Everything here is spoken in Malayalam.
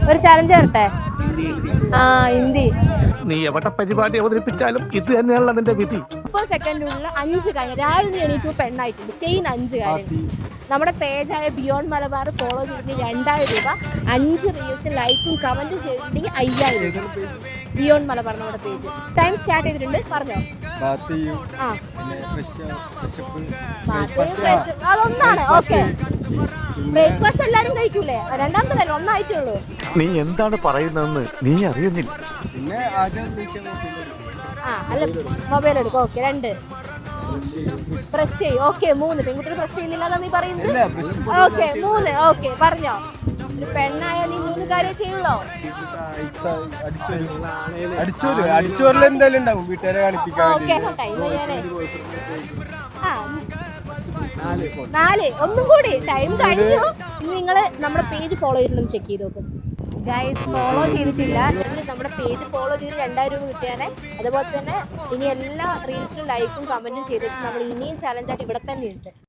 ഒരു ചാലഞ്ച് തരട്ടെ? ആ, ഹിന്ദി. നീ എവിടെ പരിപാടി അവതരിപ്പിച്ചാലും ഇത് തന്നെയാണല്ലോ നിന്റെ വിധി. 30 സെക്കൻഡിനുള്ളിൽ 5 കാര്യം. രാവിലെ നീ എണീറ്റ് പെണ്ണായിട്ടുണ്ട്, ചെയ്യുന്ന 5 കാര്യം. നമ്മുടെ പേജായ ബിയോണ്ട് മലബാർ ഫോളോ ചെയ്തിട്ടുണ്ടെങ്കിൽ 2000 രൂപ, 5 റീൽസും ലൈക്കും കമന്റും ചെയ്തിട്ടുണ്ടെങ്കിൽ 5000 രൂപ. ബിയോണ്ട് മലബാർ നമ്മുടെ പേജ്. ടൈം സ്റ്റാർട്ട് ചെയ്തിട്ടുണ്ട്, പറഞ്ഞോ. അതൊന്നാണ്. ഓക്കെ, ബ്രേക്ക്ഫാസ്റ്റ് എല്ലാരും കഴിക്കൂലേ? രണ്ടാമത്തല്ലേ, ഒന്നായിട്ടേ ഉള്ളൂ. നീ എന്താണ് പറയുന്നതെന്ന് നീ അറിയുന്നില്ല. അല്ല, മൊബൈൽ എടുക്കും. ഓക്കെ, 2 ബ്രഷ് ചെയ്യും. ഓക്കെ, 3 പെൺകുട്ടികൾ ബ്രഷ് ചെയ്യുന്നില്ല നീ പറയുന്നത്. ഓക്കെ, 3. ഓക്കെ, പറഞ്ഞോ. ഒരു പെണ്ണായ നീ 3 കാര്യം ചെയ്യുള്ളോ? ഓക്കെ, ടൈം ചെയ്യാനേ. 4. ഒന്നും കൂടി ടൈം കഴിഞ്ഞു. നിങ്ങള് നമ്മുടെ പേജ് ഫോളോ ചെയ്തിട്ടുണ്ടെന്ന് ചെക്ക് ചെയ്ത് നോക്കും. ഗൈസ്, ഫോളോ ചെയ്തിട്ടില്ല നമ്മുടെ പേജ് ഫോളോ ചെയ്ത് 2000 രൂപ കിട്ടിയാനേ. അതുപോലെ തന്നെ ഇനി എല്ലാ റീൽസിലും ലൈക്കും കമന്റും ചെയ്ത് വെച്ചാൽ നമ്മൾ ഇനിയും ചാലഞ്ചായിട്ട് ഇവിടെ തന്നെ ഉണ്ട്.